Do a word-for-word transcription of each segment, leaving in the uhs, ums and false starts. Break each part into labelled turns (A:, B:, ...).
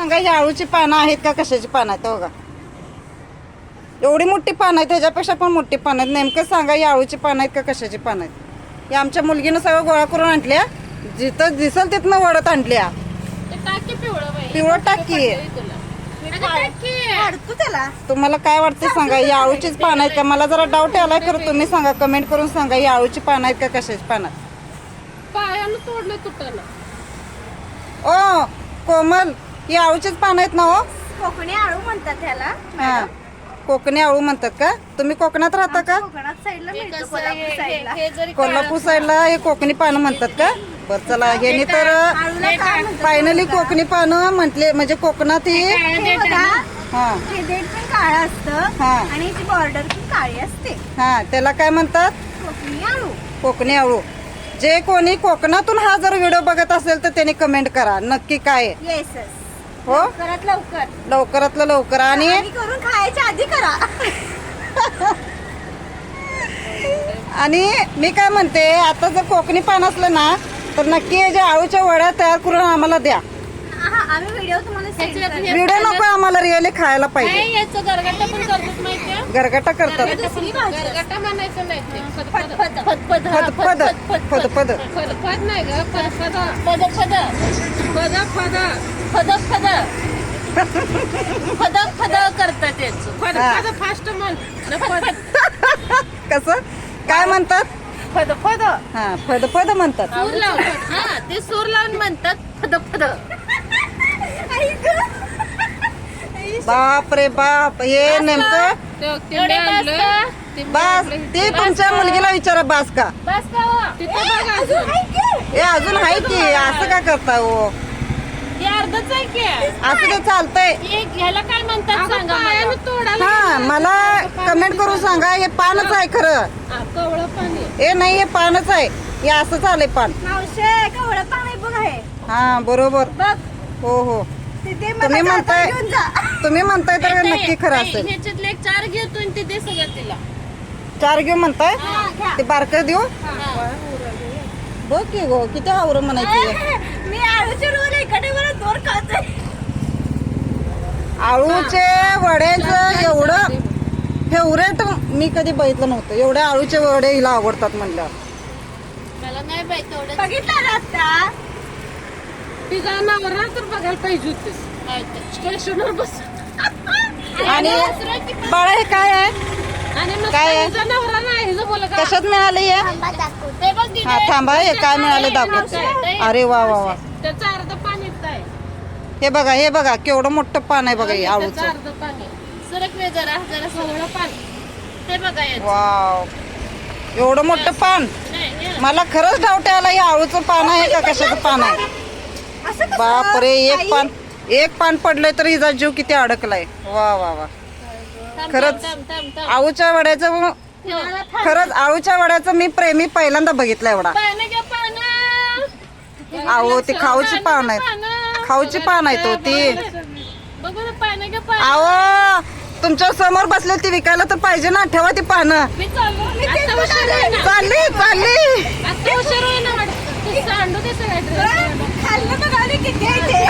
A: सांगा ही आळूची पानं आहेत का कशाची पानं आहेत बघा. एवढी मोठी पानं आहेत, त्याच्यापेक्षा पण मोठी पानं आहेत. नेमकं सांगा ही आळूची पानं आहेत का कशाची पानं आहेत. हे आमच्या मुलगीनं सगळं गोळा करून आणल्या, जिथं दिसल तिथनं वडत आणल्या. पिवळं टाकी. तुम्हाला काय वाटतं सांगा, ही आळूचीच पानं आहेत का. मला जरा डाऊट आलाय, खरं तुम्ही सांगा, कमेंट करून सांगा ही आळूची पानं आहेत का कशाची पानं आहेत.
B: पायानं तोडलं तुटलं.
A: ओ कोमल, ही आळूचीच पानं आहेत ना हो.
C: कोकणी आळू म्हणतात त्याला.
A: हा, कोकणी आळू म्हणतात का. तुम्ही कोकणात राहता का.
C: कोकणात साईडला मिळतो, कोल्हापूर साईडला.
B: हे जरी
A: कोल्हापूर साईडला हे कोकणी पानं म्हणतात का. बरं चला, हे तर
C: आळूला काय म्हणतात
A: फायनली कोकणी पानं म्हटले, म्हणजे कोकणात ही.
C: हे बघा,
A: हा
C: हे देठ पण काळं असतं
A: हा.
C: आणि याची बॉर्डर पण काळी असते.
A: हा, त्याला काय म्हणतात.
C: कोकणी आळू.
A: कोकणी आळू. जे कोणी कोकणातून हा जर व्हिडिओ बघत असेल तर त्यांनी कमेंट करा नक्की काय आहे.
C: येस
A: हो,
C: लवकरात लवकर
A: लवकरातलं लवकर. आणि
C: आणि करून खायच्या आधी करा.
A: आणि मी काय म्हणते, आता जर कोकणी पान असलं ना तर नक्की हे जे आळूच्या वड्या तयार करून आम्हाला द्या.
C: हा, आम्ही व्हिडिओ तुम्हाला send
B: ह्याच्यात
C: करू.
B: हे-
A: व्हिडिओ नको आम्हाला, रिअली खायला पाहिजे.
B: नाही, याचं गरगटा पण करतात माहितीये.
A: गरगटा करतात.
C: दुसरी भाजी असते.
B: गरगटा म्हणायचं नाही ते.
C: फदफद.
B: फदफद. हा,
A: फदफद
B: फदफद.
A: फदफद.
B: फदफद नाही ग, फदफद. फदफद. फदफद. फदफद. फदफद करतात याचं. फदफद फास्ट म्हण. फद
A: कसं काय म्हणतात.
B: फदफद.
A: हा, फदफद म्हणतात.
B: सूर लावून. हा, ते सूर लावून म्हणतात फदफद.
A: बाप रे बाप, हे नेमकं
B: तेवढे आणलं. ते
A: बास. ते तुमच्या मुलगीला विचारा बास का.
B: बस का हो? तिथं बघ अजून.
A: हे अजून आहे की, असं का करता हो.
B: हे अर्धच आहे की.
A: असं ते चालतंय.
B: हे ह्याला काय म्हणतात सांगा मला. तोडायला
A: हा, मला कमेंट करून सांगा, हे पानच आहे खरं.
B: कवळं पाणी.
A: हे नाही, हे पानच आहे. हे असंच आलंय पान.
C: मावशे कवळं पाणी बघ आहे.
A: हा बरोबर.
C: बघ
A: हो हो,
C: तिथे
A: तुम्ही
C: मला
A: म्हणताय
C: जाता घेऊन जा.
A: तुम्ही म्हणताय तर नक्की खरं असेल.
B: ह्याच्यातले एक चार घेतो आणि ते दे सगळं तिला.
A: चार घेऊ म्हणताय.
C: हा, घ्या.
A: ते बारकं देऊ.
B: हा.
A: बघ की गो, किती आवरं म्हणायची.
C: मी आळूचे रोल इकडे मला दोर खाते.
A: आळूचे वड्याचं एवढं फेवरेट मी कधी बघितलं नव्हतं. एवढे आळूचे वडे हिला आवडतात म्हणलं.
B: मला नाही बाई तेवढं.
C: बघितलं ना आता.
B: तिचा नवरा तर बघायला पाहिजे होते. स्टेशनवर बस.
A: आणि बाळा हे काय आहे.
B: आणि मग
A: काय आहे?
B: तिचा नवरा नाही हिचं बोला का.
A: कशात मिळाले हे.
B: ते बघ तिथे.
A: हा थांबा, हे काय मिळाले दाखवतो. अरे वा वा वा,
B: त्याचं अर्ध पाणी आहे.
A: हे बघा, हे बघा केवढं मोठं पान आहे बघा हे
B: त्याचं
A: आळूचं.
B: अर्ध पाणी. सरक वे जरा जरा सवळं पाणी. ते बघा याचं.
A: वाव, एवढं मोठं पान.
B: नाही, हे-
A: मला खरंच डाऊट आला, हे आळूचं पान आहे का कशाचं पान आहे.
C: असं कसं?
A: बाप रे, एक
C: आई?
A: पान एक पान पडलंय तर हिचा जीव किती अडकलाय. वा वा वा,
B: थांब,
A: खरंच.
B: थांब, थांब, थांब.
A: आळूच्या वड्याचं खरंच, आळूच्या वड्याचं मी प्रेमी पहिल्यांदा बघितलं एवढा.
B: पानं घ्या, पानं.
A: आहो ती खाऊची पान आहेत.
B: पानं.
A: खाऊची पान आहेत हो ती.
B: बघू ना, पानं घ्या, पानं.
A: आहो तुमच्या समोर बसले ती विकायला तर पाहिजे ना. ठेवा ती पानं.
B: मी चाललो. आता उशीर होईल ना.
A: चालली चालली.
B: आता उशीर होईल ना वाटतं. ते सांडू दे सगळं ड्रेस.
C: खाल्लं बघा आणि किती आहे ते.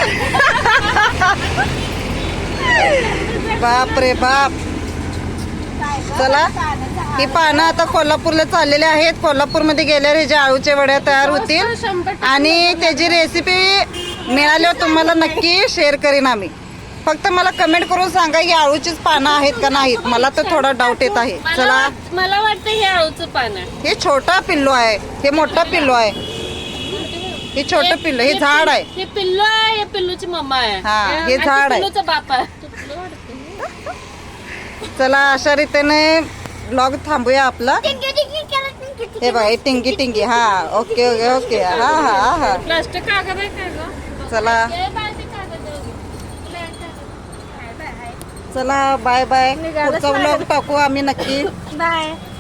A: बाप रे बाप. चला, ही पानं आता कोल्हापूरला चाललेले आहेत. कोल्हापूरमध्ये गेल्यावर हे जे आळूचे वड्या तयार होतील
B: शंभर टक्के.
A: आणि त्याची रेसिपी मिळाल्यावर तुम्हाला नक्की शेअर करीन आम्ही. फक्त मला कमेंट करून सांगा की आळूचीच पानं आहेत का नाहीत. मला तर थोडा डाऊट येत आहे.
B: मला
A: चला,
B: वाट- मला वाटतं हे आळूचं पान आहे.
A: हे छोटा पिल्लू आहे, हे मोठा पिल्लू आहे. हे छोटं पिल्लू, हे झाड आहे.
B: हे पिल्लू आहे, हे पिल्लूची मम्मा आहे.
A: हा, हे
B: आणि
A: झाड आहे.
B: पिल्लूचा बाप आहे.
A: चला, अशा रीतीने ब्लॉग थांबूया आपला.
C: टिंगी टिंगी केलं, टिंगी टिंगी.
A: हे बघा, हे टिंगी टिंगी. हा, ओके ओके ओके. हा हा हा,
B: प्लास्टिक कागद आहे का गं?
A: चला
B: हे बाळते कागद आहे. तुला एक कागद.
A: चला, बाय बाय. पुढचा ब्लॉग टाकू आम्ही नक्की.
C: बाय.